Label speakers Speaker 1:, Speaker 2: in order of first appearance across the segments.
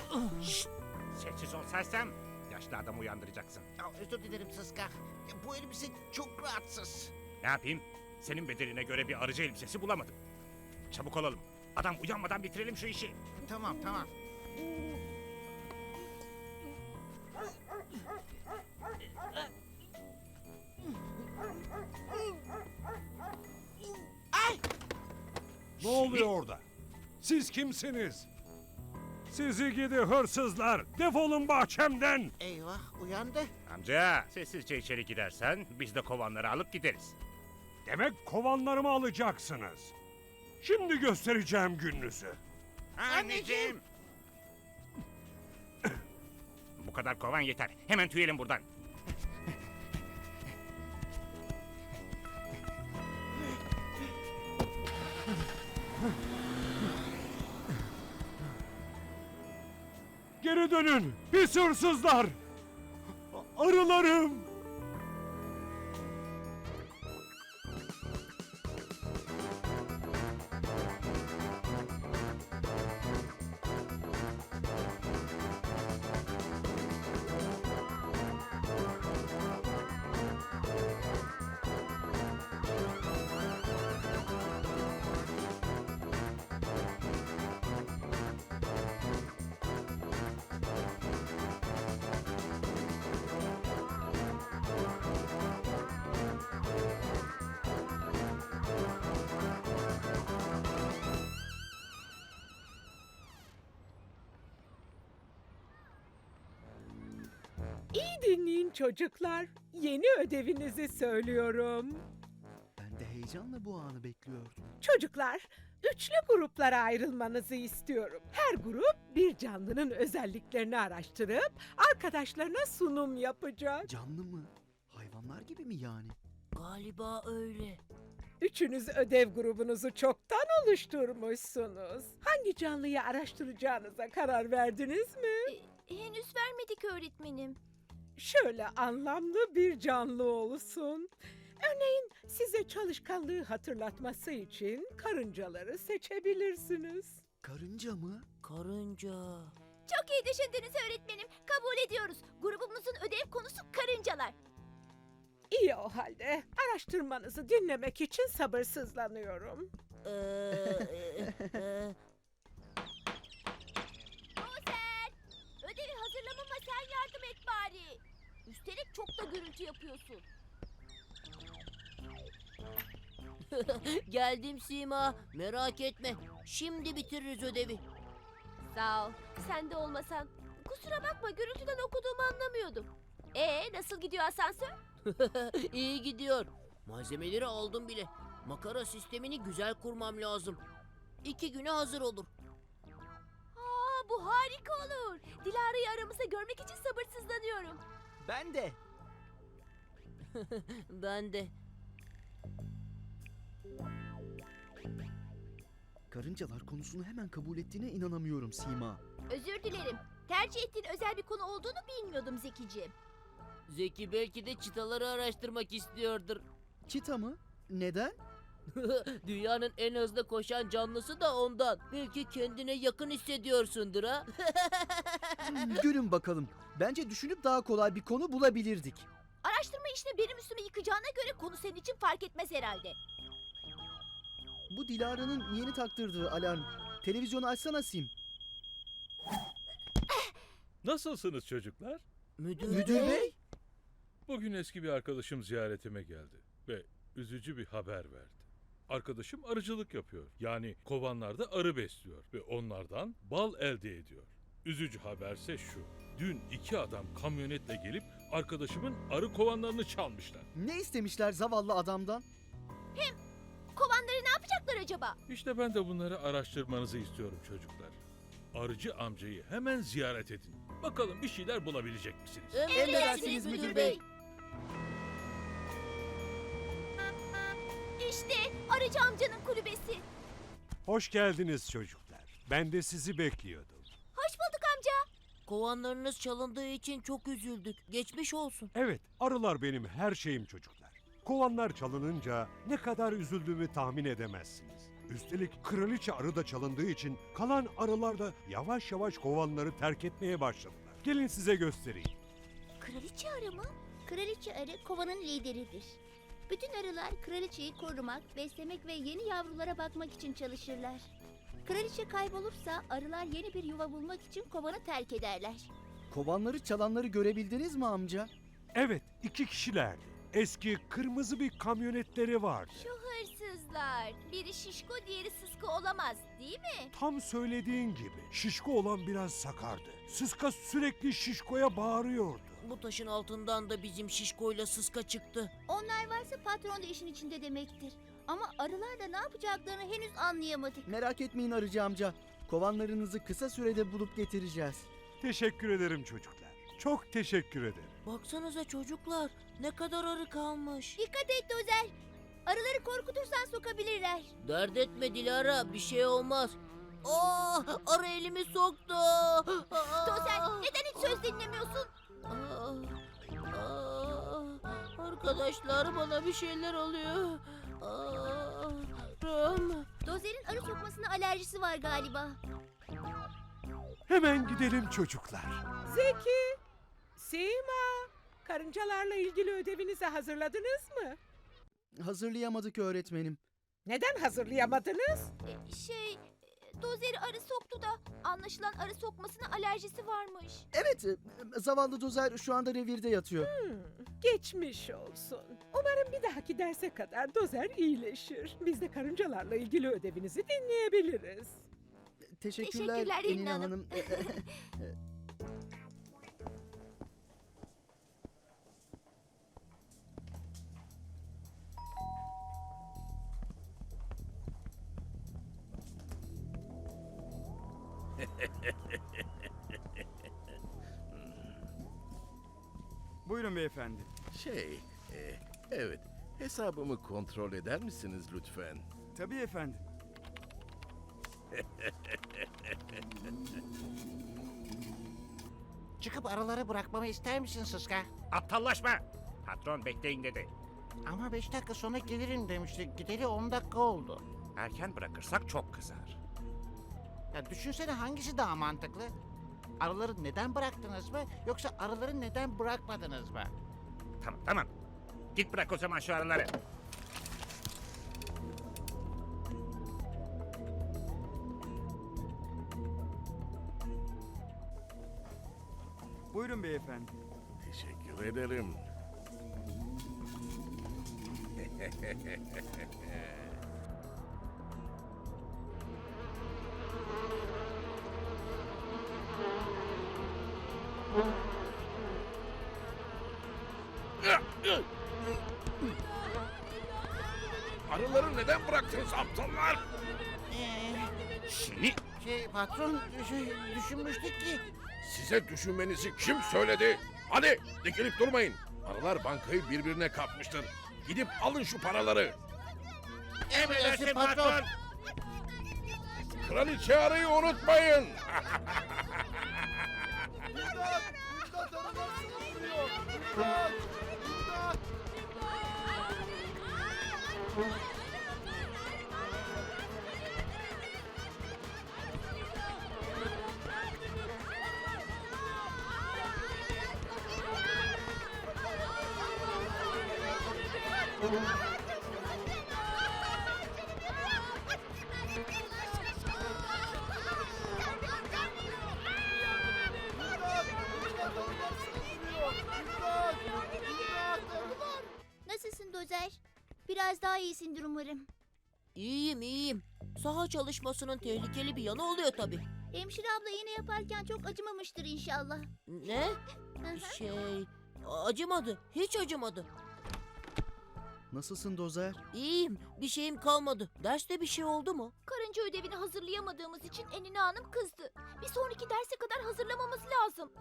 Speaker 1: Şşt! Sessiz ol sersem. Yaşlı adamı uyandıracaksın.
Speaker 2: Ya, özür dilerim Sıska. Ya, bu elbise çok rahatsız.
Speaker 1: Ne yapayım? Senin bedeline göre bir arıcı elbisesi bulamadım. Çabuk olalım. Adam uyanmadan bitirelim şu işi.
Speaker 2: Tamam tamam. Ay!
Speaker 3: Ne oluyor orada? Siz kimsiniz? Sizi gidi hırsızlar! Defolun bahçemden!
Speaker 2: Eyvah uyandı.
Speaker 1: Amca sessizce içeri gidersen biz de kovanları alıp gideriz.
Speaker 3: Demek kovanlarımı alacaksınız. Şimdi göstereceğim gününüzü.
Speaker 2: Anneciğim.
Speaker 1: Bu kadar kovan yeter. Hemen tüyelim buradan.
Speaker 3: Geri dönün! Pis hırsızlar! Arılarım!
Speaker 4: İyi dinleyin çocuklar. Yeni ödevinizi söylüyorum.
Speaker 5: Ben de heyecanla bu anı bekliyordum.
Speaker 4: Çocuklar, üçlü gruplara ayrılmanızı istiyorum. Her grup bir canlının özelliklerini araştırıp arkadaşlarına sunum yapacak.
Speaker 5: Canlı mı? Hayvanlar gibi mi yani?
Speaker 6: Galiba öyle.
Speaker 4: Üçünüz ödev grubunuzu çoktan oluşturmuşsunuz. Hangi canlıyı araştıracağınıza karar verdiniz mi?
Speaker 6: Henüz vermedik öğretmenim.
Speaker 4: Şöyle anlamlı bir canlı olsun. Örneğin size çalışkanlığı hatırlatması için karıncaları seçebilirsiniz.
Speaker 5: Karınca mı?
Speaker 6: Karınca. Çok iyi düşündünüz öğretmenim. Kabul ediyoruz. Grubumuzun ödev konusu karıncalar.
Speaker 4: İyi o halde. Araştırmanızı dinlemek için sabırsızlanıyorum.
Speaker 6: Dozer! Ödevi hazırlamama sen yardım et bari. Üstelik çok da gürültü yapıyorsun. Geldim Sima. Merak etme. Şimdi bitiririz ödevi. Sağ ol. Sen de olmasan. Kusura bakma gürültüden okuduğumu anlamıyordum. Nasıl gidiyor asansör? İyi gidiyor. Malzemeleri aldım bile. Makara sistemini güzel kurmam lazım. 2 güne hazır olur. Bu harika olur. Dilara'yı aramızda görmek için sabırsızlanıyorum.
Speaker 5: Ben de.
Speaker 6: Ben de.
Speaker 5: Karıncalar konusunu hemen kabul ettiğine inanamıyorum Sima.
Speaker 6: Özür dilerim. Tercih ettiğin özel bir konu olduğunu bilmiyordum Zekiciğim. Zeki belki de çitaları araştırmak istiyordur.
Speaker 5: Çita mı? Neden?
Speaker 6: Dünyanın en hızlı koşan canlısı da ondan. Belki kendine yakın hissediyorsundur ha?
Speaker 5: Gülün bakalım. Bence düşünüp daha kolay bir konu bulabilirdik.
Speaker 6: Araştırma işini benim üstüme yıkacağına göre konu senin için fark etmez herhalde.
Speaker 5: Bu Dilara'nın yeni taktırdığı alarm. Televizyonu açsana Sim.
Speaker 7: Nasılsınız çocuklar?
Speaker 5: Müdür bey?
Speaker 7: Bugün eski bir arkadaşım ziyaretime geldi ve üzücü bir haber verdi. Arkadaşım arıcılık yapıyor. Yani kovanlarda arı besliyor ve onlardan bal elde ediyor. Üzücü haberse şu. Dün 2 adam kamyonetle gelip arkadaşımın arı kovanlarını çalmışlar.
Speaker 5: Ne istemişler zavallı adamdan?
Speaker 6: Kovanları ne yapacaklar acaba?
Speaker 7: İşte ben de bunları araştırmanızı istiyorum çocuklar. Arıcı amcayı hemen ziyaret edin. Bakalım bir şeyler bulabilecek misiniz?
Speaker 5: Emredersiniz müdür bey.
Speaker 6: İşte arıcı amcanın kulübesi.
Speaker 3: Hoş geldiniz çocuklar. Ben de sizi bekliyordum.
Speaker 6: Hoş bulduk amca. Kovanlarınız çalındığı için çok üzüldük. Geçmiş olsun.
Speaker 3: Evet, arılar benim her şeyim çocuklar. Kovanlar çalınınca ne kadar üzüldüğümü tahmin edemezsiniz. Üstelik kraliçe arı da çalındığı için kalan arılar da yavaş yavaş kovanları terk etmeye başladılar. Gelin size göstereyim.
Speaker 8: Kraliçe arı mı? Kraliçe arı kovanın lideridir. Bütün arılar kraliçeyi korumak, beslemek ve yeni yavrulara bakmak için çalışırlar. Kraliçe kaybolursa arılar yeni bir yuva bulmak için kovanı terk ederler.
Speaker 5: Kovanları çalanları görebildiniz mi amca?
Speaker 3: Evet, 2 kişilerdi. Eski kırmızı bir kamyonetleri vardı.
Speaker 6: Şu hırsızlar. Biri şişko, diğeri sıskı olamaz, değil mi?
Speaker 3: Tam söylediğin gibi şişko olan biraz sakardı. Sıska sürekli şişkoya bağırıyordu.
Speaker 2: Bu taşın altından da bizim şişkoyla sıska çıktı.
Speaker 8: Onlar varsa patron da işin içinde demektir. Ama arılarla ne yapacaklarını henüz anlayamadık.
Speaker 5: Merak etmeyin arıcı amca. Kovanlarınızı kısa sürede bulup getireceğiz.
Speaker 3: Teşekkür ederim çocuklar. Çok teşekkür ederim.
Speaker 2: Baksanıza çocuklar, ne kadar arı kalmış.
Speaker 8: Dikkat et Dozer. Arıları korkutursan sokabilirler.
Speaker 2: Dert etme Dilara, bir şey olmaz. Aa, arı elimi soktu.
Speaker 8: Dozer neden hiç söz dinlemiyorsun?
Speaker 2: Arkadaşlar, bana bir şeyler oluyor.
Speaker 8: Dozer'in arı sokmasına alerjisi var galiba.
Speaker 3: Hemen gidelim çocuklar.
Speaker 4: Zeki, Sima, karıncalarla ilgili ödevinizi hazırladınız mı?
Speaker 5: Hazırlayamadık öğretmenim.
Speaker 4: Neden hazırlayamadınız?
Speaker 6: Dozeri arı soktu da anlaşılan arı sokmasına alerjisi varmış.
Speaker 5: Evet, zavallı Dozer şu anda revirde yatıyor.
Speaker 4: Geçmiş olsun. Umarım bir dahaki derse kadar Dozer iyileşir. Biz de karıncalarla ilgili ödevinizi dinleyebiliriz.
Speaker 5: Teşekkürler
Speaker 6: Teşekkürler
Speaker 5: Enina
Speaker 6: Enina
Speaker 5: Hanım.
Speaker 9: Buyurun beyefendi.
Speaker 10: Evet. Hesabımı kontrol eder misiniz lütfen?
Speaker 9: Tabii efendim.
Speaker 2: Çıkıp arıları bırakmamı ister misin Sıska?
Speaker 1: Aptallaşma. Patron bekleyin dedi.
Speaker 2: Ama 5 dakika sonra gelirim demişti. Gideli 10 dakika oldu.
Speaker 1: Erken bırakırsak çok kızar.
Speaker 2: Ya düşünsene, hangisi daha mantıklı? Arıları neden bıraktınız mı, yoksa arıları neden bırakmadınız mı?
Speaker 1: Tamam tamam. Git bırak o zaman şu arıları.
Speaker 9: Buyurun beyefendi.
Speaker 10: Teşekkür ederim. Arıları neden bıraktınız aptallar?
Speaker 1: Seni
Speaker 2: Patron, düşünmüştük ki...
Speaker 10: Size düşünmenizi kim söyledi? Hadi dikilip durmayın. Arılar bankayı birbirine katmıştır. Gidip alın şu paraları.
Speaker 2: Emredersin patron.
Speaker 10: Kraliçe arıyı unutmayın.
Speaker 8: Nasılsın Dozer? Biraz daha iyisindir umarım.
Speaker 2: İyiyim, iyiyim. Saha çalışmasının tehlikeli bir yanı oluyor tabii.
Speaker 8: Hemşire abla iğne yaparken çok acımamıştır inşallah.
Speaker 2: Ne? Acımadı. Hiç acımadı.
Speaker 5: Nasılsın Dozer?
Speaker 2: İyiyim. Bir şeyim kalmadı. Derste bir şey oldu mu?
Speaker 6: Karınca ödevini hazırlayamadığımız için Enina Hanım kızdı. Bir sonraki derse kadar hazırlamamız lazım.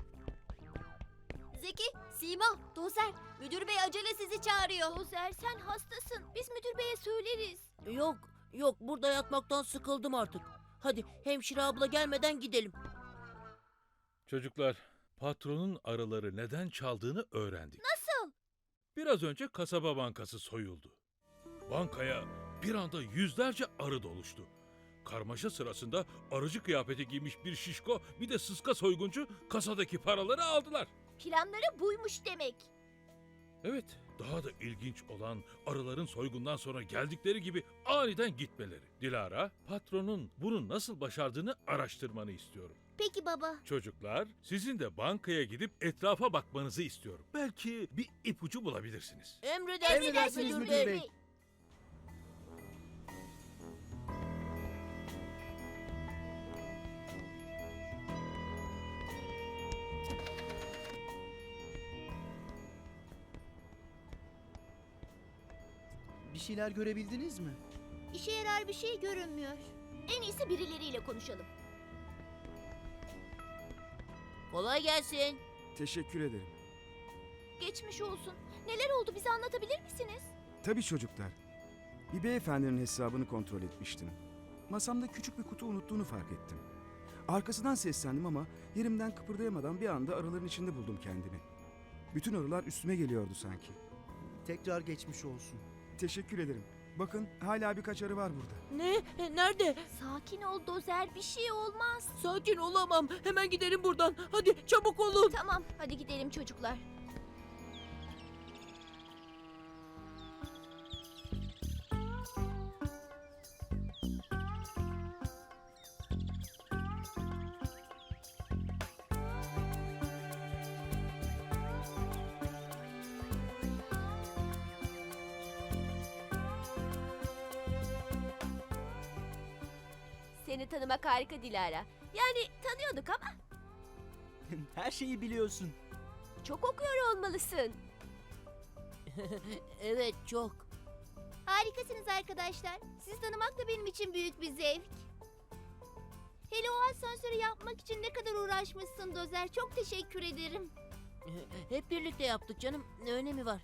Speaker 8: Zeki, Sima, Dozer, müdür bey acele sizi çağırıyor.
Speaker 6: Dozer, sen hastasın. Biz müdür beye söyleriz.
Speaker 2: Yok. Burada yatmaktan sıkıldım artık. Hadi hemşire abla gelmeden gidelim.
Speaker 7: Çocuklar, patronun arıları neden çaldığını öğrendik.
Speaker 8: Nasıl?
Speaker 7: Biraz önce kasaba bankası soyuldu. Bankaya bir anda yüzlerce arı doluştu. Karmaşa sırasında arıcı kıyafeti giymiş bir şişko bir de sıska soyguncu kasadaki paraları aldılar.
Speaker 6: Planları buymuş demek.
Speaker 7: Evet, daha da ilginç olan arıların soygundan sonra geldikleri gibi aniden gitmeleri. Dilara, patronun bunu nasıl başardığını araştırmanı istiyorum.
Speaker 8: Peki baba.
Speaker 7: Çocuklar, sizin de bankaya gidip etrafa bakmanızı istiyorum. Belki bir ipucu bulabilirsiniz.
Speaker 5: Emredersiniz müdür bey. Bir şeyler görebildiniz mi?
Speaker 8: İşe yarar bir şey görünmüyor.
Speaker 6: En iyisi birileriyle konuşalım. Kolay gelsin.
Speaker 9: Teşekkür ederim.
Speaker 6: Geçmiş olsun. Neler oldu bize anlatabilir misiniz?
Speaker 9: Tabii çocuklar. Bir beyefendinin hesabını kontrol etmiştim. Masamda küçük bir kutu unuttuğunu fark ettim. Arkasından seslendim ama yerimden kıpırdayamadan bir anda arıların içinde buldum kendimi. Bütün arılar üstüme geliyordu sanki.
Speaker 5: Tekrar geçmiş olsun.
Speaker 9: Teşekkür ederim. Bakın hala birkaç arı var burada.
Speaker 11: Ne? Nerede?
Speaker 6: Sakin ol Dozer, bir şey olmaz.
Speaker 11: Sakin olamam. Hemen gidelim buradan. Hadi çabuk olun.
Speaker 6: Tamam, hadi gidelim çocuklar. Seni tanımak harika Dilara. Yani tanıyorduk ama
Speaker 5: Her şeyi biliyorsun.
Speaker 6: çok okuyor olmalısın.
Speaker 11: Evet, çok.
Speaker 8: Harikasınız arkadaşlar. Sizi tanımak da benim için büyük bir zevk. Hele o asansörü yapmak için ne kadar uğraşmışsın Dozer. Çok teşekkür ederim.
Speaker 11: Hep birlikte yaptık canım. Ne önemi var?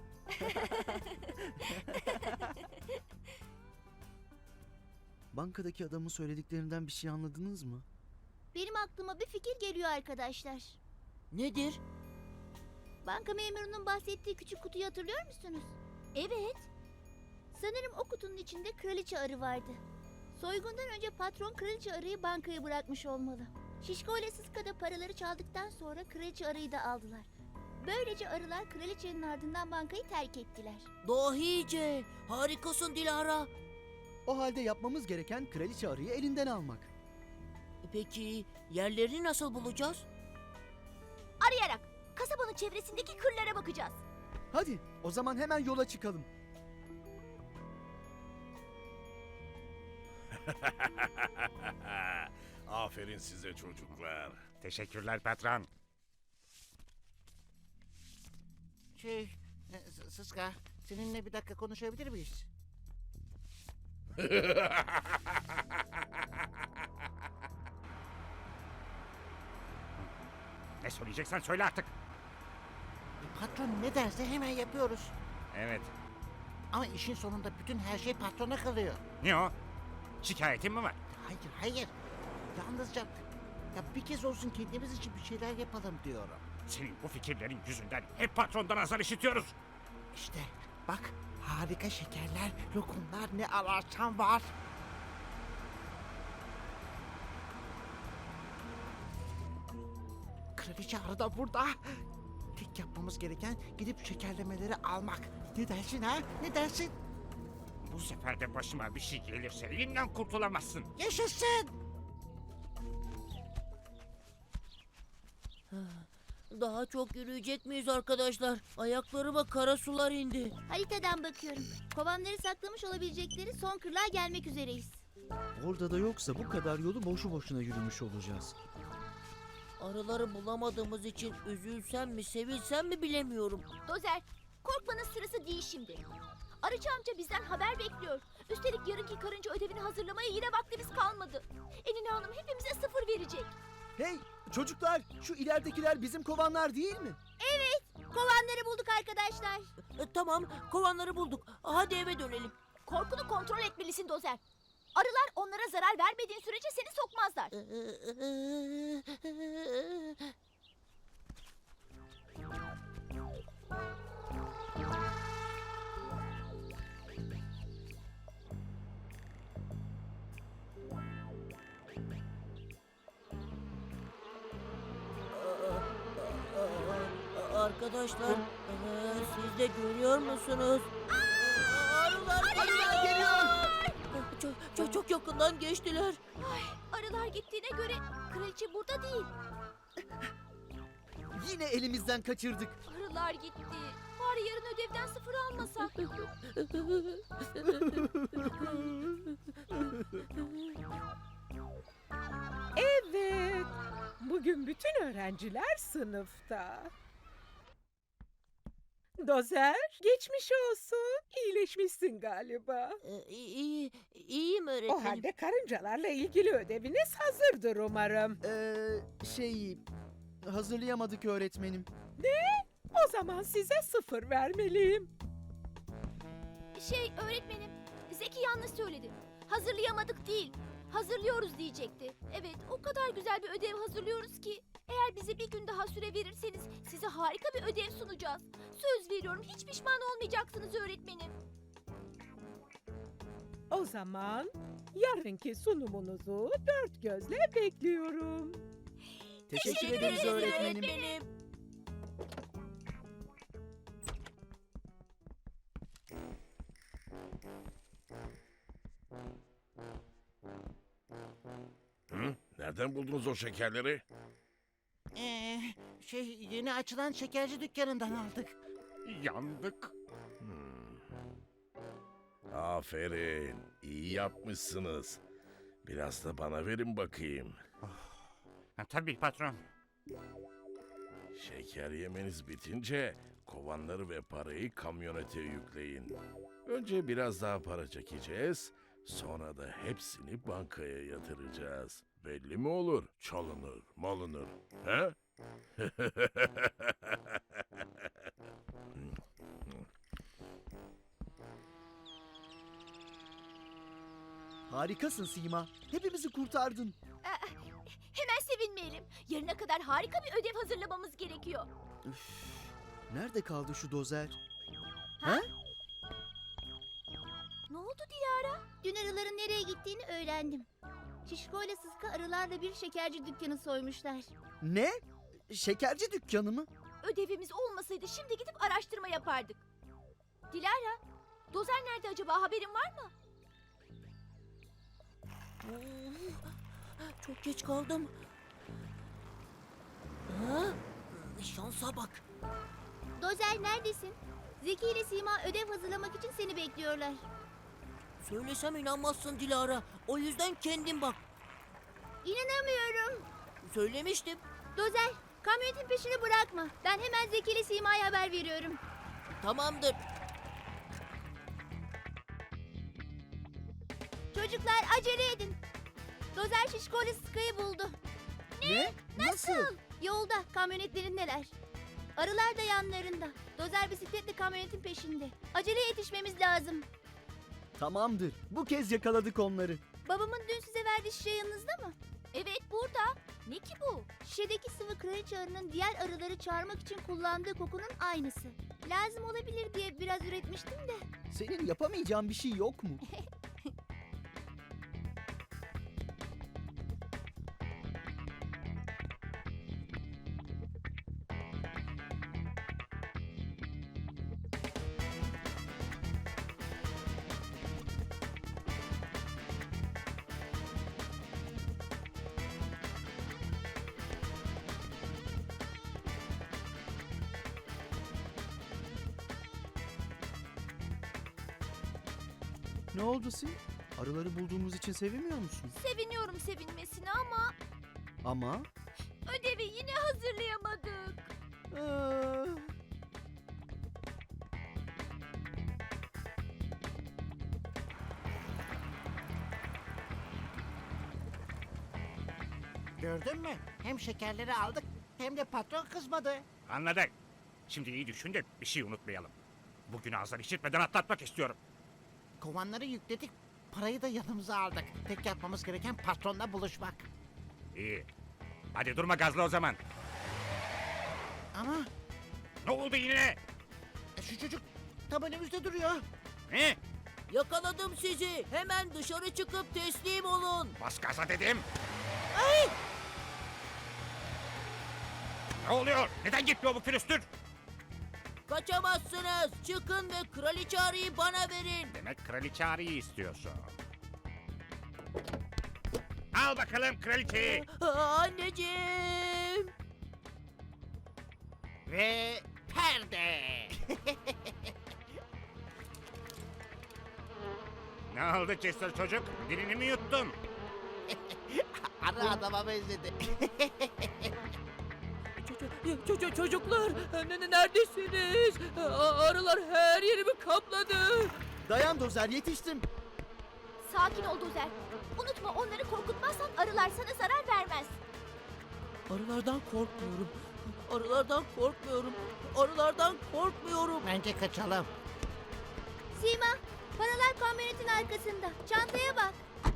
Speaker 5: Bankadaki adamın söylediklerinden bir şey anladınız mı?
Speaker 8: Benim aklıma bir fikir geliyor arkadaşlar.
Speaker 11: Nedir?
Speaker 8: Banka memurunun bahsettiği küçük kutuyu hatırlıyor musunuz?
Speaker 6: Evet.
Speaker 8: Sanırım o kutunun içinde kraliçe arı vardı. Soygundan önce patron kraliçe arıyı bankaya bırakmış olmalı. Şişko ile Sıska da paraları çaldıktan sonra kraliçe arıyı da aldılar. Böylece arılar kraliçenin ardından bankayı terk ettiler.
Speaker 11: Dahice. Harikasın Dilara.
Speaker 5: O halde yapmamız gereken kraliçe arıyı elinden almak.
Speaker 11: Peki yerlerini nasıl bulacağız?
Speaker 6: Arayarak kasabanın çevresindeki kırlara bakacağız.
Speaker 5: Hadi o zaman hemen yola çıkalım.
Speaker 10: Aferin size çocuklar.
Speaker 1: Teşekkürler patron.
Speaker 2: Sıska, seninle bir dakika konuşabilir miyiz?
Speaker 1: Ne söyleyeceksen söyle artık.
Speaker 2: Patron ne derse hemen yapıyoruz.
Speaker 1: Evet.
Speaker 2: Ama işin sonunda bütün her şey patrona kalıyor.
Speaker 1: Ne o? Şikayetin mi var?
Speaker 2: Hayır, hayır. Yalnızca ya bir kez olsun kendimiz için bir şeyler yapalım diyorum.
Speaker 1: Senin bu fikirlerin yüzünden hep patrondan azar işitiyoruz.
Speaker 2: İşte bak harika şekerler, lokumlar ne ararsan var. Kraliçe arı da burada. Tek yapmamız gereken gidip şekerlemeleri almak. Ne dersin ha? Ne dersin?
Speaker 1: Bu sefer de başıma bir şey gelirse elimden kurtulamazsın.
Speaker 2: Yaşasın!
Speaker 11: Daha çok yürüyecek miyiz arkadaşlar? Ayaklarıma kara sular indi.
Speaker 8: Haritadan bakıyorum. Kovanları saklamış olabilecekleri son kırlığa gelmek üzereyiz.
Speaker 5: Orada da yoksa bu kadar yolu boşu boşuna yürümüş olacağız.
Speaker 11: Arıları bulamadığımız için üzülsem mi sevinsem mi bilemiyorum.
Speaker 6: Dozer, korkmanın sırası değil şimdi. Arıcı amca bizden haber bekliyor. Üstelik yarınki karınca ödevini hazırlamaya yine vaktimiz kalmadı. Enine Hanım hepimize 0 verecek.
Speaker 5: Hey çocuklar, şu ileridekiler bizim kovanlar değil mi?
Speaker 8: Kovanları bulduk arkadaşlar.
Speaker 11: Tamam, kovanları bulduk. Hadi eve dönelim.
Speaker 6: Korkunu kontrol etmelisin Dozer. Arılar onlara zarar vermediğin sürece seni sokmazlar.
Speaker 11: Arkadaşlar, siz de görüyor musunuz?
Speaker 5: Arılar geliyor.
Speaker 11: Çok yakından geçtiler.
Speaker 6: Arılar gittiğine göre kraliçe burada değil.
Speaker 5: Yine elimizden kaçırdık.
Speaker 6: Arılar gitti. Bari yarın ödevden 0 almasak.
Speaker 4: Evet. Bugün bütün öğrenciler sınıfta. Dozer, geçmiş olsun. İyileşmişsin galiba.
Speaker 11: İyiyim
Speaker 4: O
Speaker 11: öğretmenim.
Speaker 4: halde karıncalarla ilgili ödeviniz hazırdır umarım.
Speaker 5: Hazırlayamadık öğretmenim.
Speaker 4: O zaman size 0 vermeliyim.
Speaker 6: Öğretmenim, Zeki yanlış söyledi. Hazırlayamadık değil, hazırlıyoruz diyecekti. Evet, o kadar güzel bir ödev hazırlıyoruz ki. Eğer bize bir gün daha süre verirseniz size harika bir ödev sunacağız. Söz veriyorum, hiç pişman olmayacaksınız öğretmenim.
Speaker 4: O zaman yarınki sunumunuzu 4 gözle bekliyorum.
Speaker 5: Teşekkür ederiz öğretmenim.
Speaker 10: Hı? Nereden buldunuz o şekerleri?
Speaker 2: Yeni açılan şekerci dükkanından aldık.
Speaker 1: Yandık.
Speaker 10: Aferin. İyi yapmışsınız. Biraz da bana verin bakayım.
Speaker 1: Tabii patron.
Speaker 10: Şeker yemeniz bitince kovanları ve parayı kamyonete yükleyin. Önce biraz daha para çekeceğiz. Sonra da hepsini bankaya yatıracağız. Belli mi olur? Çalınır, malınır. He?
Speaker 5: Harikasın Sima. Hepimizi kurtardın.
Speaker 6: Hemen sevinmeyelim. Yarına kadar harika bir ödev hazırlamamız gerekiyor.
Speaker 5: Nerede kaldı şu dozer?
Speaker 6: Ne oldu Dilara?
Speaker 8: Dün arıların nereye gittiğini öğrendim. Şişko ile Sıska arılarla bir şekerci dükkanı soymuşlar.
Speaker 5: Ne? Şekerci dükkanı mı?
Speaker 6: Ödevimiz olmasaydı şimdi gidip araştırma yapardık. Dilara, Dozer nerede acaba, haberin var mı?
Speaker 11: Çok geç kaldım. Ha? Şansa bak.
Speaker 8: Dozer neredesin? Zeki ile Sima ödev hazırlamak için seni bekliyorlar.
Speaker 11: Söylesem inanmazsın Dilara. O yüzden kendin bak.
Speaker 8: İnanamıyorum.
Speaker 11: Söylemiştim.
Speaker 8: Dozer, kamyonetin peşini bırakma. Ben hemen Zeki ile Sima'ya haber veriyorum.
Speaker 11: Tamamdır.
Speaker 8: Çocuklar acele edin. Dozer Şişko ile Sıska'yı buldu.
Speaker 5: Ne? Nasıl?
Speaker 8: Yolda, kamyonetlerindeler. Arılar da yanlarında. Dozer bisikletle kamyonetin peşinde. Acele yetişmemiz lazım.
Speaker 5: Tamamdır. Bu kez yakaladık onları.
Speaker 8: Babamın dün size verdiği şişe yanınızda mı?
Speaker 6: Evet, burada. Ne ki bu?
Speaker 8: Şişedeki sıvı kraliçe arının diğer arıları çağırmak için kullandığı kokunun aynısı. Lazım olabilir diye biraz üretmiştim de.
Speaker 5: Senin yapamayacağın bir şey yok mu? Ne oldu Sim? Arıları bulduğumuz için sevinmiyor musun?
Speaker 6: Seviniyorum sevinmesine ama
Speaker 5: Ama...
Speaker 6: ödevi yine hazırlayamadık.
Speaker 2: Gördün mü? Hem şekerleri aldık hem de patron kızmadı.
Speaker 1: Anladık. Şimdi iyi düşün de bir şey unutmayalım. Bugün ağızdan işitmeden atlatmak istiyorum.
Speaker 2: Kovanları yükledik, parayı da yanımıza aldık. Tek yapmamız gereken patronla buluşmak.
Speaker 1: İyi. Hadi durma gazla o zaman.
Speaker 2: Ama
Speaker 1: Ne oldu yine?
Speaker 2: şu çocuk tam önümüzde duruyor.
Speaker 1: Ne?
Speaker 11: Yakaladım sizi. Hemen dışarı çıkıp teslim olun.
Speaker 1: Bas gaza dedim. Ne oluyor? Neden gitmiyor bu külüstür?
Speaker 11: Kaçamazsınız. Çıkın ve kraliçe arıyı bana verin.
Speaker 1: Demek kraliçe arıyı istiyorsun. Al bakalım kraliçeyi.
Speaker 11: Anneciğim.
Speaker 2: Ve perde.
Speaker 1: Ne oldu Chester çocuk? Dilini mi yuttun?
Speaker 2: Arı adama benzedi.
Speaker 11: Çocuklar neredesiniz? Arılar her yerimi kapladı.
Speaker 5: Dayan Dozer, yetiştim.
Speaker 8: Sakin ol Dozer. Unutma, onları korkutmazsan arılar sana zarar vermez.
Speaker 11: Arılardan korkmuyorum. Arılardan korkmuyorum. Arılardan korkmuyorum.
Speaker 2: Bence kaçalım.
Speaker 8: Sima, paralar kamyonetin arkasında. Çantaya bak.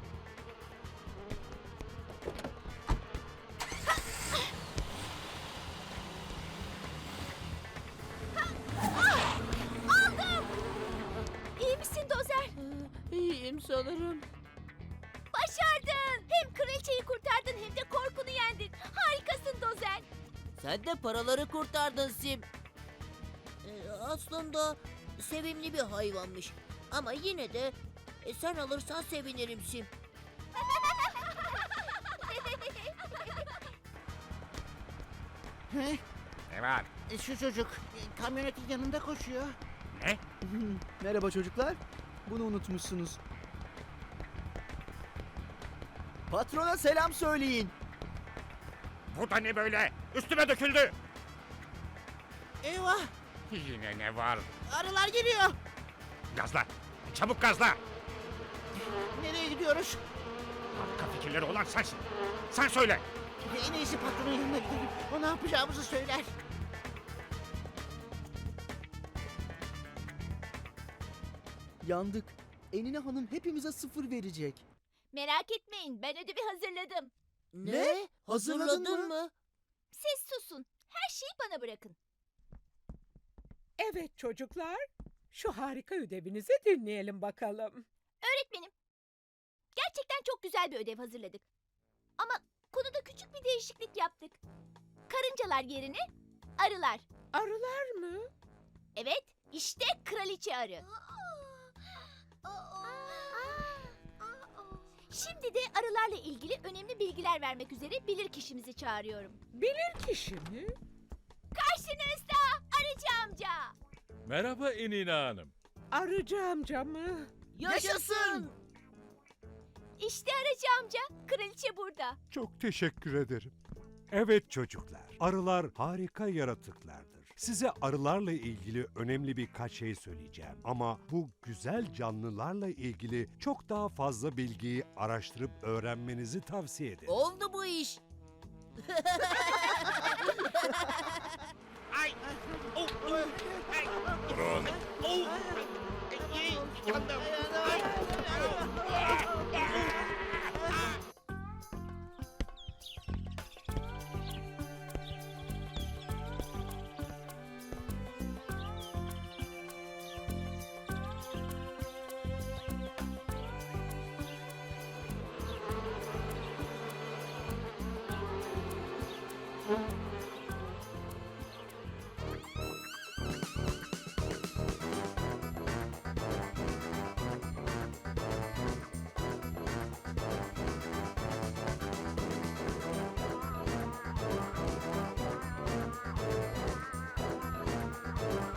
Speaker 8: Aldım. İyi misin Dozer?
Speaker 11: İyiyim sanırım.
Speaker 8: Başardın. Hem kraliçeyi kurtardın hem de korkunu yendin. Harikasın Dozer.
Speaker 11: Sen de paraları kurtardın Sim. Aslında sevimli bir hayvanmış. Ama yine de sen alırsan sevinirim Sim.
Speaker 2: He?
Speaker 1: Ne var?
Speaker 2: Şu çocuk kamyonetin yanında koşuyor.
Speaker 1: Ne?
Speaker 5: Merhaba çocuklar. Bunu unutmuşsunuz. Patrona selam söyleyin.
Speaker 1: Bu da ne böyle? Üstüme döküldü.
Speaker 2: Eyvah!
Speaker 1: Yine ne var?
Speaker 2: Arılar geliyor.
Speaker 1: Gazla. Çabuk gazla.
Speaker 2: Nereye gidiyoruz?
Speaker 1: Harika fikirleri olan sensin. Sen söyle.
Speaker 2: En iyisi patronun yanına gidelim. O ne yapacağımızı söyler.
Speaker 5: Yandık. Enine Hanım hepimize 0 verecek.
Speaker 8: Merak etmeyin, ben ödevi hazırladım.
Speaker 11: Ne? Hazırladın mı?
Speaker 8: Siz susun. Her şeyi bana bırakın.
Speaker 4: Evet çocuklar, şu harika ödevinizi dinleyelim bakalım.
Speaker 8: Öğretmenim, gerçekten çok güzel bir ödev hazırladık. Ama konuda küçük bir değişiklik yaptık. Karıncalar yerine arılar.
Speaker 4: Arılar mı?
Speaker 8: Evet, işte kraliçe arı. Şimdi de arılarla ilgili önemli bilgiler vermek üzere bilirkişimizi çağırıyorum.
Speaker 4: Bilirkişi mi?
Speaker 8: Karşınızda Arıcı amca.
Speaker 7: Merhaba Enine Hanım.
Speaker 4: Arıcı amca mı?
Speaker 11: Yaşasın!
Speaker 8: İşte Arıcı amca, kraliçe burada.
Speaker 3: Çok teşekkür ederim. Evet çocuklar, arılar harika yaratıklardır. Size arılarla ilgili önemli birkaç şey söyleyeceğim. Ama bu güzel canlılarla ilgili çok daha fazla bilgiyi araştırıp öğrenmenizi tavsiye ederim.
Speaker 11: Oldu bu iş.